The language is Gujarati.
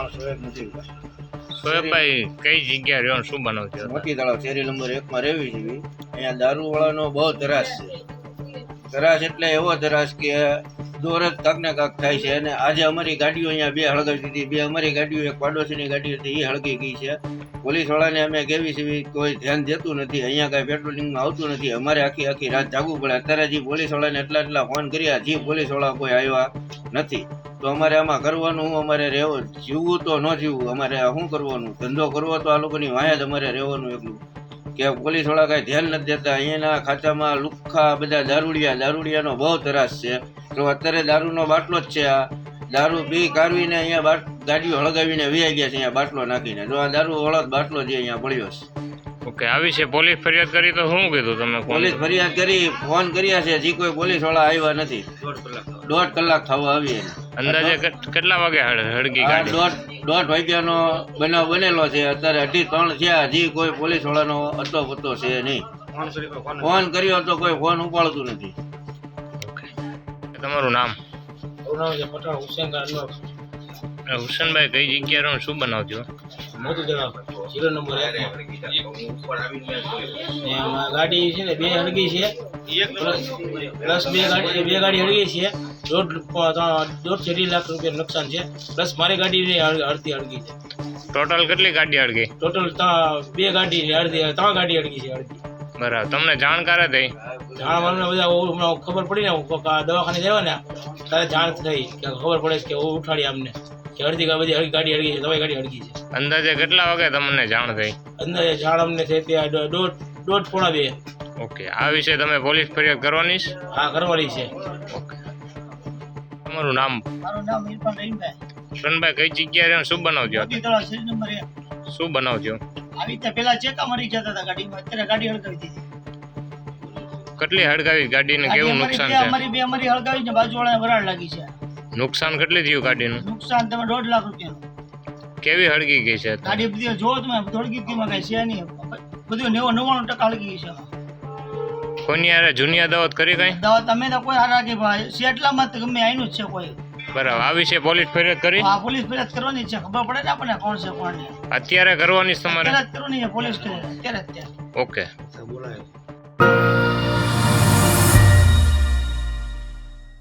સોએબભાઈ કઈ જગ્યા રહ્યો શું બનાવ છો? મોતી તળાવ શેરી નંબર 1 માં રહેવી છે. અહીંયા દારૂ વાળાનો બહુ ત્રાસ છે. ત્રાસ એટલે એવો ત્રાસ કે દોર જ કાંક ને કાંક થાય છે. અને આજે અમારી ગાડીઓ અહીંયા 2 હળગાવી દીધી. 2 અમારી ગાડીઓ, એક પાડોશીની ગાડી હતી એ હળગી ગઈ છે. પોલીસ વાળાને અમે કેવી છે કોઈ ધ્યાન દેતું નથી. અહીંયા કાંઈ પેટ્રોલિંગમાં આવતું નથી. અમારે આખી રાત જાગવું પડે. અત્યારે જે પોલીસ વાળાને એટલા ફોન કર્યા, જે પોલીસ વાળા કોઈ આવ્યા નથી. તો અમારે આમાં કરવાનું, અમારે રહેવું, જીવવું તો ન જીવવું, અમારે શું કરવાનું? ધંધો કરવો તો આ લોકોની વાંહે જ અમારે રહેવાનું. એટલું કે પોલીસ વાળા કાંઈ ધ્યાન નથી દેતા. અહીંયાના ખાતામાં લુખ્ખા બધા દારૂડિયાનો બહુ ત્રાસ છે. તો અત્યારે દારૂનો બાટલો જ છે. આ દારૂ પી કારવીને અહીંયા ગાડીઓ હળગાવીને વહી ગયા છે, અહીંયા બાટલો નાખીને. જો આ દારૂ વાળો બાટલો જે અહીંયા પડ્યો છે. ઓકે, આવી છે પોલીસ ફરિયાદ કરી તો શું કીધું તમે? પોલીસ ફરિયાદ કરી, ફોન કર્યા છે, જે કોઈ પોલીસ વાળા આવ્યા નથી. 1.5 કલાક થવા આવી. અંદાજે કેટલા વાગે હળગી ગાડી? 1:30 વાગ્યાનો બનાવ બનેલો છે. અત્યારે 2:30 થયા, હજી કોઈ પોલીસ વાળાનો અતો પતો છે નહીં. ફોન કર્યો તો કોઈ ફોન ઉપાડતું નથી. તમારું નામ? હુસેનભાઈ કઈ જગ્યા રહો શું બનાવજો? મોતી તળાવ શેરી નંબર 1 ગાડી છે ને 2 હળગી છે, પ્લસ 2 ગાડી હળગી છે. 1.5 લાખ રૂપિયા નુકસાન છે. પ્લસ મારી ગાડી અડધી હળગી છે. ટોટલ કેટલી ગાડી હળગી? ટોટલ 2 ગાડી અડધી 3 ગાડી હળગી છે. અડધી. બરાબર. તમને જાણકાર થઈ? જાણવા બધા ખબર પડી ને, દવાખાને જવા ને ત્યારે જાણ થઈ કે ખબર પડે કે ઉઠાડી અમને કે અડધી બધી ગાડી હળગી છે, તમારી ગાડી હળગી છે. અંદાજે કેટલા વાગે તમને જાણ થઈ? અંદાજે જાણ અમને થઈ ત્યાં 1:30-1:45. ઓકે, આ વિશે તમે પોલીસ ફરિયાદ કરવાની છે? હા, કરવાની છે. ઓકે, તમારું નામ? મારું નામ ઇરફાન રહીમભાઈ. કિશનભાઈ કઈ જગ્યા રહ્યો શું બનાવજો? મોતી તળાવ શેરી નંબર 1. શું બનાવજો? આવી રીતે પેલા ચેકા મરી જતા હતા ગાડીમાં, અત્યારે ગાડી હળગાવી દીધી. કેટલી હળગાવી ગાડીને? કેવું નુકસાન છે? અમારી હળગાવીને બાજુવાળાને વરાળ લાગી છે. નુકસાન કેટલી થયું ગાડીનું? નુકસાન તમે 1.5 લાખ રૂપિયાનું. કેવી હળગી ગઈ છે? ગાડી બધી જો તમે થોડી ગીતમાં કઈ છે નહીં, બધું 99% હળગી ગઈ છે. કોની યાર જૂની અદાવત કરી કઈ? દવા તમે તો કોઈ હારા કે ભાઈ શેટલામાં તો ગમે આઈનું જ છે કોઈ. બરાબર. આ વિશે પોલીસ ફરિયાદ કરી? હા, પોલીસ ફરિયાદ કરવાની છે. ખબર પડે ને આપણને કોણ છે કોણ નહીં. અત્યારે કરવાની છે તમારે? અત્યારે જ કરવાની છે પોલીસ કરે અત્યારે. ઓકે. બોલાય